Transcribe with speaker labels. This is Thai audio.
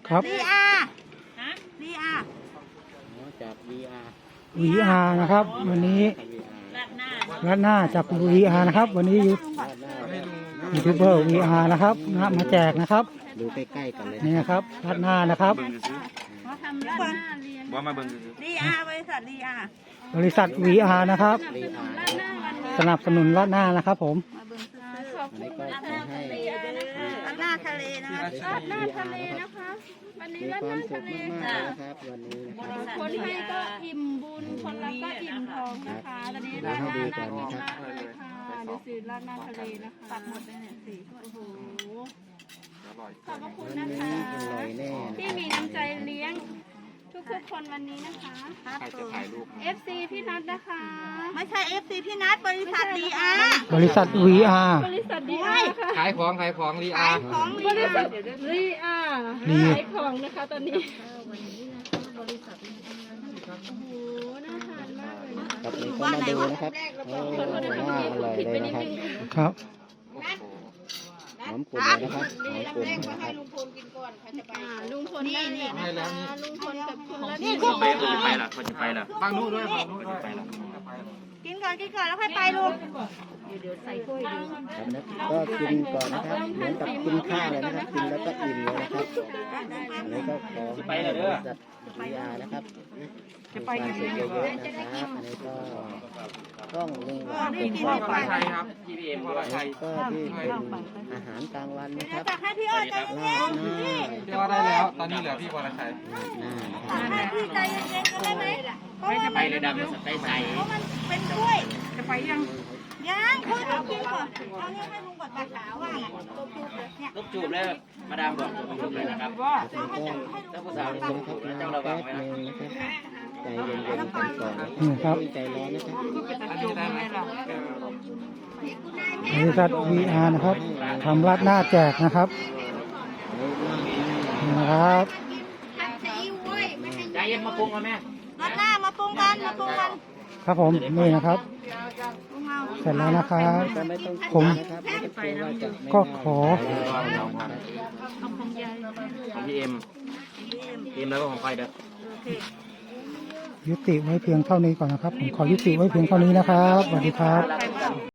Speaker 1: ครับ
Speaker 2: VR
Speaker 3: ฮะ
Speaker 2: VR
Speaker 4: จาก VR
Speaker 1: VR นะครับ วันนี้
Speaker 3: ราดหน้า
Speaker 1: รัดหน้าจาก VR นะครับ วันนี้ยูทูบเบอร์ VR นะครับมาแจกนะครับ
Speaker 4: ดูใกล้ๆกันเลย
Speaker 1: นี่นะครับรัดหน้านะครับ
Speaker 2: เขาทำราดหน้าเรียน
Speaker 5: ว่ามาเบิ่ง
Speaker 2: VR บริษัท VR
Speaker 1: บริษัท VR นะครับ
Speaker 2: ราดหน้าวันนี้
Speaker 1: สนับสนุนรัดหน้านะครับผม
Speaker 2: มาเบิ่งซื้อ
Speaker 4: อันนี้ก็ขอให้
Speaker 2: ราดหน้าทะเลนะคะ
Speaker 4: ราดหน้าทะเลนะคะวันนี้ราดหน้าทะเลค่ะนะครับวันนี้นะครับ
Speaker 6: คนให้ก็อิ่มบุญ คนรับก็อิ่มท้องนะคะ ตอนนี้ราดหน้าน่ากินมากเลยค่ะดูสิราดหน้าทะเลนะคะ
Speaker 2: ตัดหมดเลยเนี่ยสี่ถ้วย
Speaker 6: โอ้โหขอบพระคุณนะคะ
Speaker 4: อร่อยแน่นะ
Speaker 6: ที่มีน้ำใจเลี้ยงทุกๆคนวันนี้นะคะ
Speaker 2: ครับ
Speaker 5: ใครจะถ่ายรูป
Speaker 6: FC พี่นัทนะคะ
Speaker 2: ไม่ใช่ FC พี่นัทบริษัท VR
Speaker 1: บริษัท VR
Speaker 6: บริษัทดีอาร์ค่ะ
Speaker 5: ขายของรี
Speaker 2: ขา
Speaker 5: อาย
Speaker 2: ของ
Speaker 6: บริษัท
Speaker 2: VR
Speaker 6: ดีอาร์
Speaker 1: ดี
Speaker 6: ขายของนะคะตอนนี้โอ้โหน่าทานมากเลยนะคะ
Speaker 4: กับนี้ก็มาดูนะครับโอ้น่าอร่อยเลยนะครับ
Speaker 1: ครับ
Speaker 4: หอมกลุ่นเลยนะครับหอมกลุ่นนะครับ
Speaker 6: ลุงพลได้เลยนะคะลุงพลกับคุณละนี่
Speaker 5: เขาจะไปล่ะเขาจะไปล่ะฟังนู้นด้วยฟังนู้นเขาจะไปล่ะ
Speaker 2: กินก่อนแล้วค่อยไปลูก
Speaker 4: ครับนะก็กินก่อนนะครับเหมือนกับกินข้าวเลยนะครับกินแล้วก็อิ่มเลยนะครับอันนี้ก็ขอให้บริษัท VR นะครับความสุขเยอะๆนะครับอันนี้ก็ต้องลุงหวานเป็นข้าว
Speaker 5: พอไทยครับ GPM พอไทย
Speaker 4: ก็ที่เป็นอาหารกลางวันนะค
Speaker 2: เดี๋ย
Speaker 4: รั
Speaker 2: ว
Speaker 4: บ
Speaker 2: ตักให้พี่อ้อยใจ
Speaker 4: ลา
Speaker 2: เย็
Speaker 4: ด
Speaker 2: น
Speaker 4: หน้า
Speaker 5: พี่ว่าได้แล้ว ตอนนี้เหลือพี่พอไทย
Speaker 4: ลาดหน้านะครับ
Speaker 2: ๆตักให้พี่ใจเย็นๆกันได้ไหมเพราะว่ามัน
Speaker 5: ไปเลยดำเลยใส่
Speaker 2: เพราะมันเป็นถ้วยจะไปยังค่อยต้องกินก่อนเอาเนี่ยให้ลุงก่อนไปว่าไงเนี่ย
Speaker 7: ลูกจูบแล้วมาดามบอกจูบเลยนะครับ
Speaker 4: ถ้าผู้สาวลงครับต้องระวังไว้นะใจเย็นๆกันก่อน
Speaker 1: นี่ครับ
Speaker 4: ใจร้อนนะครับ
Speaker 5: อันนี้ได้ไหม
Speaker 1: บริษัท VR นะครับทำรัดหน้าแจกนะครับนี่นะครับ
Speaker 7: ใจเย็นมาปรุงมาแม่
Speaker 2: รัดหน้ามาปรุงกันมาปรุงกัน
Speaker 1: ครับผมนี่นะครับ
Speaker 2: ปรุงเอา
Speaker 1: เสร็จแล้วนะครับ
Speaker 4: ก็ไม่ต้อง
Speaker 1: ผม
Speaker 4: นะครับไม่ต้องกลัวว่าจะไม่
Speaker 1: ก็ขอ
Speaker 7: ของพี่เอ็มแล้วก็ของไฟเด้อ
Speaker 1: ยุติไว้เพียงเท่านี้ก่อนนะครับผมขอยุติไว้เพียงเท่านี้นะครับสวัสดีครับ